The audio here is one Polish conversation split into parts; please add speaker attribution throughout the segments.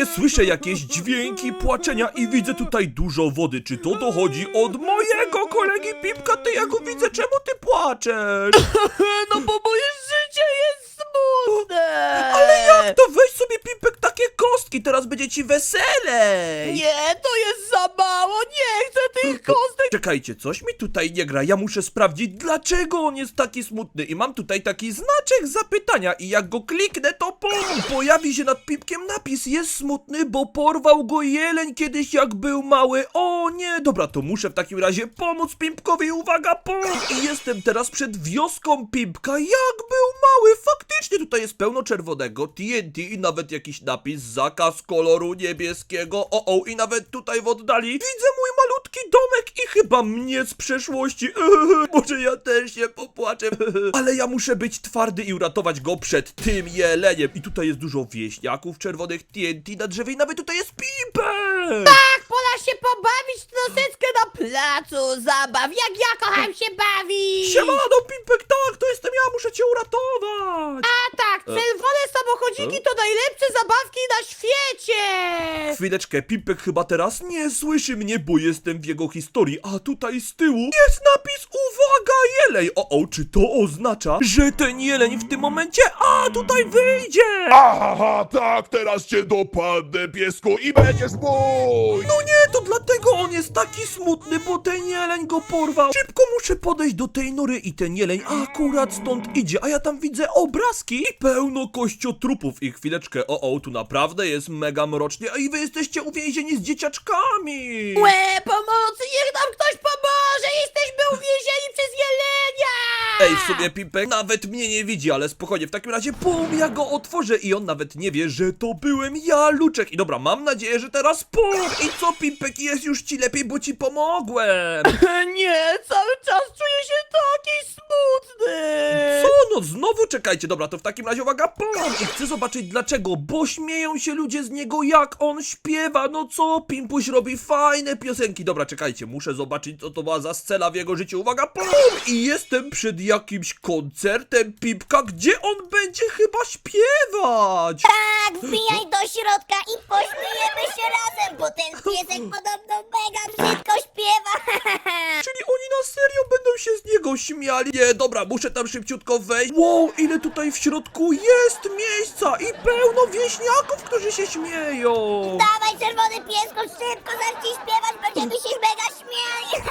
Speaker 1: nagle słyszę jakieś dźwięki płaczenia i widzę tutaj dużo wody. Czy to dochodzi od mojego kolegi Pipka? Ty, ja go widzę, czemu ty płaczesz?
Speaker 2: No bo moje życie jest smutne!
Speaker 1: Ale jak to? Weź sobie, Pipek, takie kostki, teraz będzie ci weselej.
Speaker 2: Nie, to jest za mało, nie chcę tych kostek!
Speaker 1: Czekajcie, coś mi tutaj nie gra, ja muszę sprawdzić, dlaczego on jest taki smutny. I mam tutaj taki znaczek zapytania i jak go kliknę, to pojawi się nad Pipkiem napis: jest smutny, bo porwał go jeleń kiedyś, jak był mały. O nie, dobra, to muszę w takim razie pomóc Pipkowi, uwaga, I jestem teraz przed wioską Pipka, jak był mały. Faktycznie tutaj jest pełno czerwonego TNT i nawet jakiś napis: zakaz koloru niebieskiego. I nawet tutaj w oddali widzę mój malutki domek i chyba mnie z przeszłości. Może ja też się popłaczę. Ale ja muszę być twardy i uratować go przed tym jeleniem. I tutaj jest dużo wieśniaków czerwonych TNT na drzewie i nawet tutaj jest Pipek.
Speaker 2: Tak, pora się pobawić troszeczkę na placu zabaw, jak ja kocham się bawić!
Speaker 1: Siemano, Pipek, tak, to jestem ja, muszę cię uratować.
Speaker 2: A tak, czerwone samochodziki to najlepsze zabawki na świecie!
Speaker 1: Chwileczkę, Pipek chyba teraz nie słyszy mnie, bo jestem w jego historii, a tutaj z tyłu jest napis: uwaga, jeleń! Czy to oznacza, że ten jeleń w tym momencie, tutaj wyjdzie?
Speaker 3: Aha, tak, teraz cię dopadnę, piesku, i będziesz mój!
Speaker 1: No nie, to dlatego on jest taki smutny, bo ten jeleń go porwał. Szybko muszę podejść do tej nory i ten jeleń akurat stąd idzie, a ja tam widzę obrazki i pełno kościotrupów. I chwileczkę, tu naprawdę jest mega mrocznie, a i wy jesteście uwięzieni z dzieciaczkami.
Speaker 2: Łe, pomocy, niech nam ktoś pomoże! Jesteśmy uwięzieni przez jelenia!
Speaker 1: Ej, w sobie Pipek nawet mnie nie widzi, ale spokojnie, w takim razie ja go otworzę i on nawet nie wie, że to byłem ja, Luczek. I dobra, mam nadzieję, że teraz I co, Pipek, jest już ci lepiej, bo ci pomogłem.
Speaker 2: Nie, cały czas czuję się taki smutny!
Speaker 1: Co? No znowu czekajcie, dobra, to w takim razie uwaga, I chcę zobaczyć dlaczego, bo śmieją się ludzie z niego, jak on śpiewa. No co, Pimpuś robi fajne piosenki. Dobra, czekajcie, muszę zobaczyć, co to była za scena w jego życiu. Uwaga, I jestem przed jakimś koncertem Pipka, gdzie on będzie chyba śpiewać.
Speaker 4: Tak, wbijaj do środka i pośmiejemy się razem, bo ten piesek podobno mega brzydko śpiewa.
Speaker 1: Czyli oni na serio będą się z niego śmiali. Nie, dobra, muszę tam szybciutko wejść. Wow, ile tutaj w środku jest miejsca i pełno wieśniaków, którzy się śmieją.
Speaker 4: Dawaj, czerwony piesku, szybko zacznij śpiewać, będziemy się mega śmiali.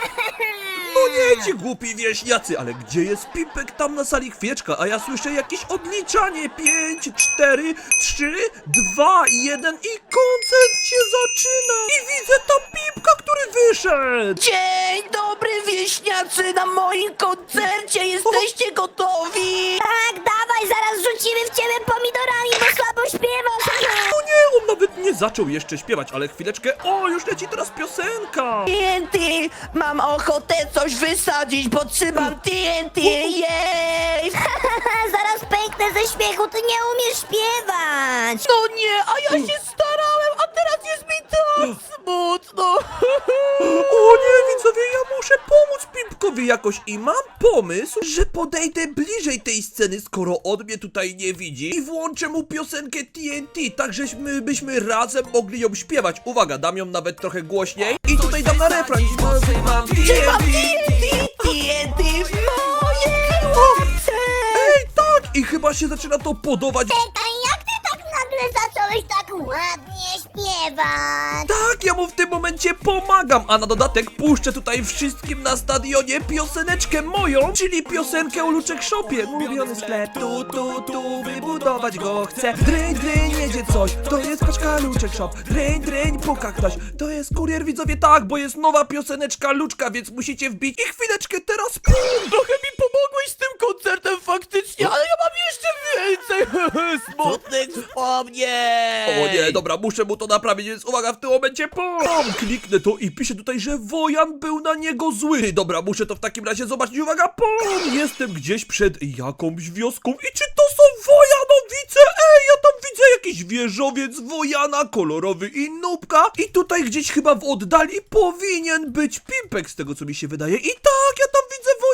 Speaker 1: No nie, ci głupi wieśniacy, ale gdzie jest Pipek? Tam na sali, chwieczka, a ja słyszę jakieś odliczanie. 5, 4, 3, 2, 1 i koncert się zaczyna. I widzę tam Pipka, który wyszedł.
Speaker 2: Dzień dobry, wieśniacy, na moim koncercie! Jesteście gotowi?
Speaker 4: Tak, dawaj, zaraz rzucimy w ciebie pomidorami, bo słabo śpiewasz.
Speaker 1: No nie, on nawet nie zaczął jeszcze śpiewać, ale chwileczkę, już leci teraz piosenka.
Speaker 2: TNT! Mam ochotę coś wysadzić, bo trzymam TNT! Jej!
Speaker 4: Zaraz pęknę ze śmiechu, ty nie umiesz śpiewać.
Speaker 2: No nie, a ja się starałem, a teraz jest mi tak smutno!
Speaker 1: O nie, widzowie, ja muszę pomóc Pipkowi jakoś i mam pomysł, że podejdę bliżej tej sceny, skoro on mnie tutaj nie widzi i włączę mu piosenkę TNT, tak żeśmy byśmy razem mogli ją śpiewać. Uwaga, dam ją nawet trochę głośniej i tutaj dam na refren. Mam
Speaker 2: Trzymam TNT! TNT w mojej ręce!
Speaker 1: Ej, tak! I chyba się zaczyna to podobać.
Speaker 4: Czekaj, jak ty tak nagle zacząłeś tak ładnie śpiewać?
Speaker 1: Tak, ja mu w tym momencie pomagam, a na dodatek puszczę tutaj wszystkim na stadionie pioseneczkę moją, czyli piosenkę o Luczek Shopie. Mówiony sklep, tu, wybudować go chcę. Dryń, jedzie coś, to jest paczka Luczek Shop. Dryń, puka ktoś, to jest kurier, widzowie, tak, bo jest nowa pioseneczka Luczka, więc musicie wbić i chwileczkę teraz
Speaker 2: Trochę mi pomogłeś z tym koncertem faktycznie, ale ja mam jeszcze więcej smutnych wspomnień!
Speaker 1: O nie, dobra, muszę mu to naprawić, więc uwaga, w tym momencie kliknę to i pisze tutaj, że Wojan był na niego zły. Dobra, muszę to w takim razie zobaczyć, uwaga, jestem gdzieś przed jakąś wioską i czy to są Wojanowice? Ej, ja tam widzę jakiś wieżowiec Wojana, kolorowy i nubka i tutaj gdzieś chyba w oddali powinien być Pimpek, z tego co mi się wydaje. I tak, ja tam widzę Wojana!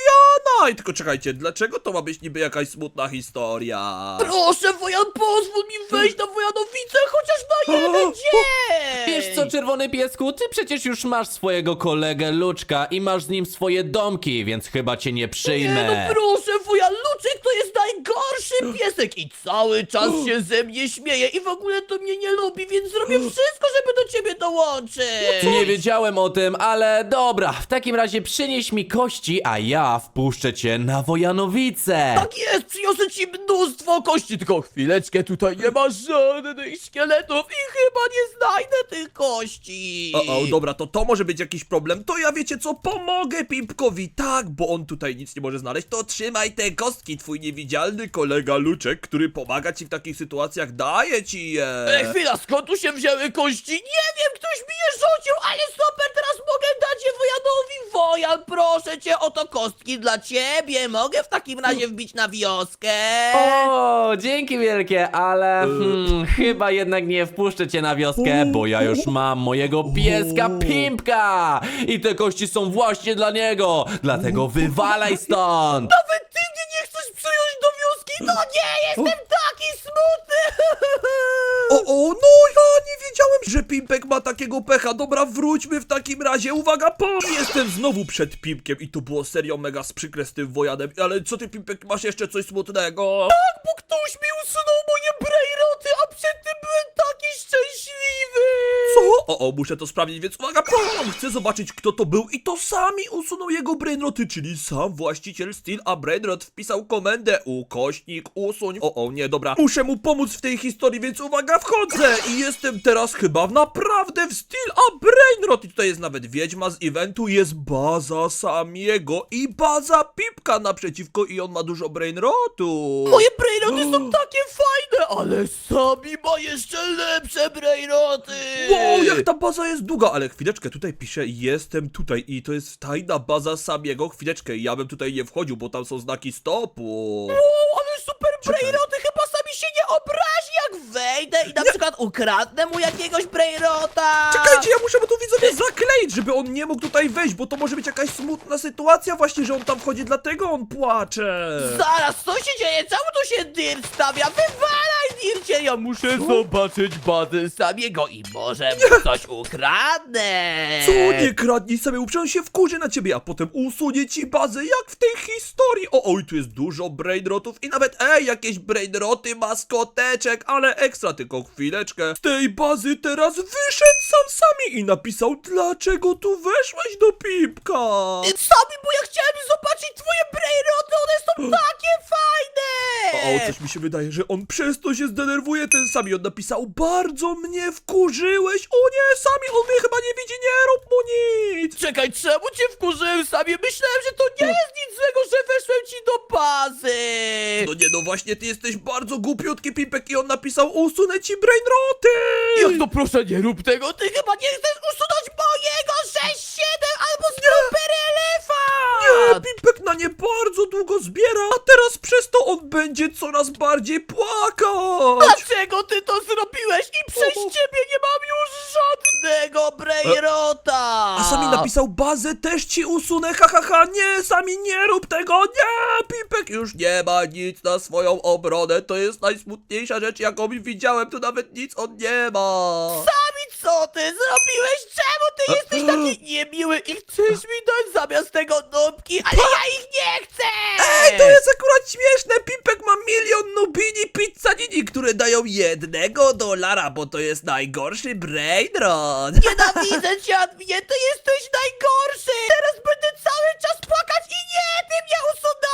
Speaker 1: Night. Tylko czekajcie, dlaczego to ma być niby jakaś smutna historia?
Speaker 2: Proszę, Wojan, pozwól mi wejść na Wojanowicę chociaż na jeden dzień!
Speaker 5: Wiesz co, czerwony piesku, ty przecież już masz swojego kolegę Luczka i masz z nim swoje domki, więc chyba cię nie przyjmę.
Speaker 2: Nie, no proszę, Wojan, Luczek to jest najgorszy piesek i cały czas się ze mnie śmieje i w ogóle to mnie nie lubi, więc zrobię wszystko, żeby do ciebie dołączyć!
Speaker 5: Nie wiedziałem o tym, ale dobra, w takim razie przynieś mi kości, a ja wpuszczę cię na Wojanowice.
Speaker 2: Tak jest, przyniosę ci mnóstwo kości, tylko chwileczkę, tutaj nie ma żadnych szkieletów i chyba nie znajdę tych kości!
Speaker 1: O, dobra, to może być jakiś problem. To ja wiecie co, pomogę Pimpkowi, tak, bo on tutaj nic nie może znaleźć. To trzymaj te kostki, twój niewidzialny kolega Luczek, który pomaga ci w takich sytuacjach, daje ci je.
Speaker 2: Chwila, skąd tu się wzięły kości? Nie wiem, ktoś mi je rzucił, ale super, teraz mogę dać je Wojanowi. Wojan, proszę cię, oto kostki dla ciebie. Mogę w takim razie wbić na wioskę?
Speaker 5: O, dzięki wielkie, ale chyba jednak nie wpuszczę cię na wioskę, bo ja już mam mojego pieska Pimpka i te kości są właśnie dla niego, dlatego wywalaj stąd.
Speaker 2: Nawet ty mnie nie chcesz przyjąć do wioski? No nie, jestem taki smutny!
Speaker 1: No ja nie wiedziałem, że Pimpek ma takiego pecha. Dobra, wróćmy w takim razie. Uwaga, jestem znowu przed Pimpkiem i to było serio mega przykre z tym Wojanem. Ale co ty, Pimpek, masz jeszcze coś smutnego?
Speaker 2: Tak, bo ktoś mi usunął moje brejroty, a przed tym byłem taki szczęśliwy!
Speaker 1: Co? Muszę to sprawdzić, więc uwaga, chcę zobaczyć, kto to był i to sami usunął jego brainroty, czyli sam właściciel Steel, a brainrot wpisał komendę ukośnik usuń. Nie, dobra, muszę mu pomóc w tej historii, więc uwaga, wchodzę i jestem teraz chyba naprawdę w Steel, a brainrot i tutaj jest nawet wiedźma z eventu, jest baza Samiego i baza Pipka naprzeciwko i on ma dużo brainrotu.
Speaker 2: Moje brejroty są takie fajne, ale Sami ma jeszcze lepsze brejroty!
Speaker 1: Wow, jak ta baza jest długa, ale chwileczkę, tutaj pisze, jestem tutaj i to jest tajna baza Samiego, chwileczkę, ja bym tutaj nie wchodził, bo tam są znaki stopu.
Speaker 2: Wow, ale super brejroty, chyba Sami się nie obrazi, jak wejdę i na przykład ukradnę mu jakiegoś brejrota!
Speaker 1: Czekajcie, ja muszę mu tu widzowie zakleić, żeby on nie mógł tutaj wejść, bo to może być jakaś smutna sytuacja właśnie, że on tam wchodzi, dlatego on płacze.
Speaker 2: Zaraz, co się dzieje? Czemu tu się Dirt stawia? Wywalaj, Dircie! Ja muszę zobaczyć bazę Samiego i może mu coś ukradnę!
Speaker 1: Co, nie kradnij sobie, uprzę się wkurzy na ciebie, a potem usunie ci bazę, jak w tej historii. Oj, tu jest dużo brainrotów i nawet, jakieś brainroty, maskoteczek, ale ekstra, tylko chwileczkę. Z tej bazy teraz wyszedł Sami i napisał, dlaczego tu weszłeś do Pipka.
Speaker 2: Sami, bo ja chciałem zobaczyć twoje brejroty, one są takie fajne!
Speaker 1: Coś mi się wydaje, że on przez to się zdenerwuje, ten Sami. On napisał, bardzo mnie wkurzyłeś. O nie, Sami, on mnie chyba nie widzi, nie rób mu nic.
Speaker 2: Czekaj, czemu cię wkurzyłem, Sami? Myślałem, że to nie jest nic złego, że weszłem ci do bazy!
Speaker 1: No nie, no właśnie, ty jesteś bardzo głupiutki, Pimpek, i on napisał, usunę ci brainroty.
Speaker 2: Jak to proszę, nie rób tego, ty chyba nie chcesz usunąć mojego 6-7 albo super elefant!
Speaker 1: Nie, Pimpek na nie bardzo długo zbiera, a teraz przez to on będzie coraz bardziej płakać.
Speaker 2: Dlaczego ty to zrobiłeś i przez ciebie nie mam już żadnego brejrota!
Speaker 1: A Sami napisał, bazę też ci usunę, ha, nie, Sami, nie rób tego, nie, Pimpek już nie ma nic na swoją obronę, to jest najsmutniejsza rzecz, jaką widziałem, tu nawet nic on nie ma.
Speaker 2: Sami, co ty zrobiłeś? Czemu ty jesteś taki niemiły i chcesz mi dać zamiast tego nubki, ale ja ich nie chcę!
Speaker 1: To jest akurat śmieszne, Pimpek ma 1 000 000 nubini pizzanini, które dają $1, bo to jest najgorszy brainrot.
Speaker 2: Nienawidzę cię, Adminie, ty jesteś najgorszy! Teraz będę cały czas płakać i nie, ty mnie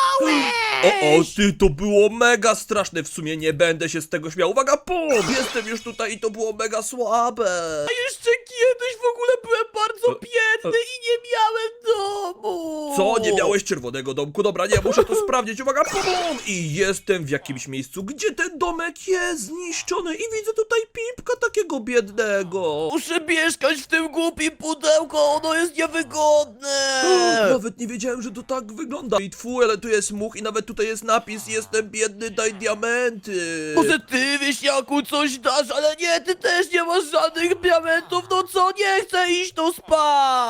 Speaker 2: usunąłeś!
Speaker 1: Ty, to było mega straszne, w sumie nie będę się z tego śmiał. Uwaga, jestem już tutaj i to było mega słabe.
Speaker 2: A jeszcze kiedyś w ogóle byłem bardzo biedny i nie miałem domu!
Speaker 1: Co? Nie miałeś czerwonego domku? Dobra, nie, muszę to sprawdzić. Uwaga, I jestem w jakimś miejscu, gdzie ten domek jest zniszczony i widzę tutaj Pimpka takiego biednego.
Speaker 2: Muszę mieszkać w tym głupim pudełku, ono jest niewygodne!
Speaker 1: Nawet nie wiedziałem, że to tak wygląda. I twój, ale tu jest much i nawet tutaj jest napis, jestem biedny, daj diamenty.
Speaker 2: Może ty, wieśniaku, coś dasz, ale nie, ty też nie masz żadnych diamentów, no co, nie chcę iść tu spać!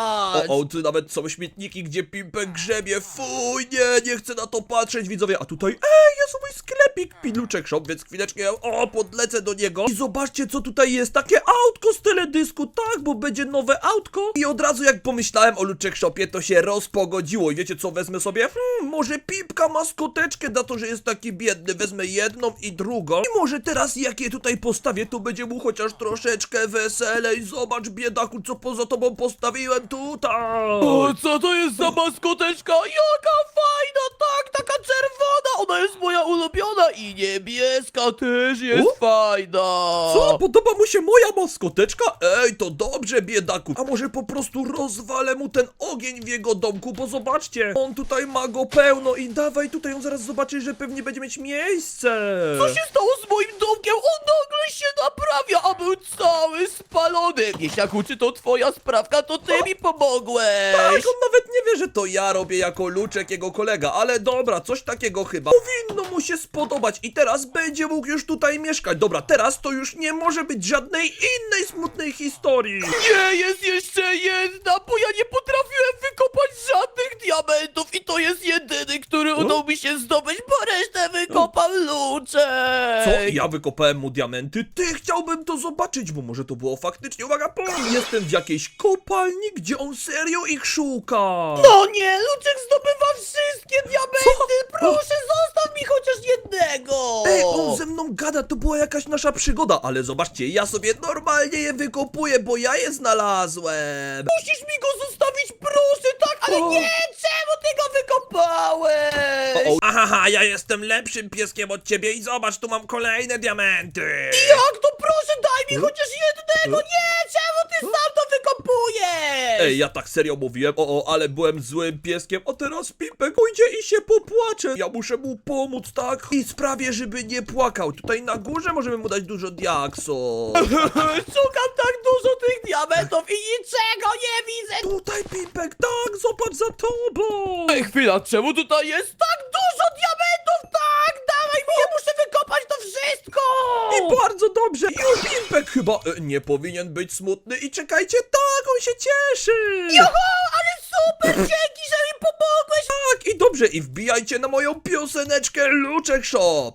Speaker 1: O, tu nawet są śmietniki, gdzie Pimpek grzebie. Fuj, nie chcę na to patrzeć, widzowie. A tutaj, jest mój sklepik Piluczek Shop, więc chwileczkę, podlecę do niego. I zobaczcie, co tutaj jest. Takie autko z teledysku, tak, bo będzie nowe autko. I od razu, jak pomyślałem o Luczek Shopie, to się rozpogodziło. I wiecie, co wezmę sobie? Może Pipka maskoteczkę za to, że jest taki biedny. Wezmę jedną i drugą. I może teraz, jak je tutaj postawię, to będzie mu chociaż troszeczkę weselej. Zobacz, biedaku, co poza tobą postawiłem tutaj.
Speaker 2: O, co to jest za maskoteczka? Jaka fajna, tak, taka czerwona, ona jest moja ulubiona i niebieska też jest fajna.
Speaker 1: Co? Podoba mu się moja maskoteczka? Ej, to dobrze, biedaku. A może po prostu rozwalę mu ten ogień w jego domku, bo zobaczcie, on tutaj ma go pełno i dawaj tutaj, on zaraz zobaczy, że pewnie będzie mieć miejsce.
Speaker 2: Co się stało z moim domkiem? On nagle się naprawia, a był cały spalony. Wieśniaku, czy to twoja sprawka? To ty mi pomogłeś.
Speaker 1: Tak, on nawet nie wie, że to ja robię jako Luczek, jego kolega, ale dobra, coś takiego chyba powinno mu się spodobać i teraz będzie mógł już tutaj mieszkać. Dobra, teraz to już nie może być żadnej innej smutnej historii.
Speaker 2: Nie, jest jeszcze jedna, bo ja nie potrafiłem wykopać żadnych diamentów i to jest jedyny, który udało mi się zdobyć, bo resztę wykopał Luczek.
Speaker 1: Co? Ja wykopałem mu diamenty? Ty, chciałbym to zobaczyć, bo może to było faktycznie, uwaga, jestem w jakiejś kopalni, gdzie on serio ich szuka.
Speaker 2: No nie, Luczek zdobywa wszystkie diamenty, proszę zostaw mi chociaż jednego.
Speaker 1: Ej, on ze mną gada, to była jakaś nasza przygoda, ale zobaczcie, ja sobie normalnie je wykopuję, bo ja je znalazłem.
Speaker 2: Musisz mi go zostawić, proszę, tak, ale nie, czemu ty go wykopałeś?
Speaker 1: Aha, ja jestem lepszym pieskiem od ciebie i zobacz, tu mam kolejne diamenty.
Speaker 2: Jak to, proszę, daj mi chociaż jednego, nie, czemu ty sam to wykopujesz?
Speaker 1: Ej, ja tak serio mówiłem, ale byłem złym pieskiem, a teraz Pimpek pójdzie i się popłacze. Ja muszę mu pomóc, tak? I sprawię, żeby nie płakał. Tutaj na górze możemy mu dać dużo diaksów.
Speaker 2: Szukam tak dużo tych diamentów i niczego nie widzę.
Speaker 1: Tutaj, Pimpek, tak, zobacz za tobą.
Speaker 2: Ej, chwila, czemu tutaj jest tak dużo diamentów? Tak, dawaj mi, ja muszę wykopać to wszystko.
Speaker 1: I bardzo dobrze. Już Pimpek chyba nie powinien być smutny. I czekajcie, tak, on się cieszy.
Speaker 2: Oho, ale super, dzięki, że mi pomogłeś.
Speaker 1: Tak, i dobrze, i wbijajcie na moją pioseneczkę Luczek Shop.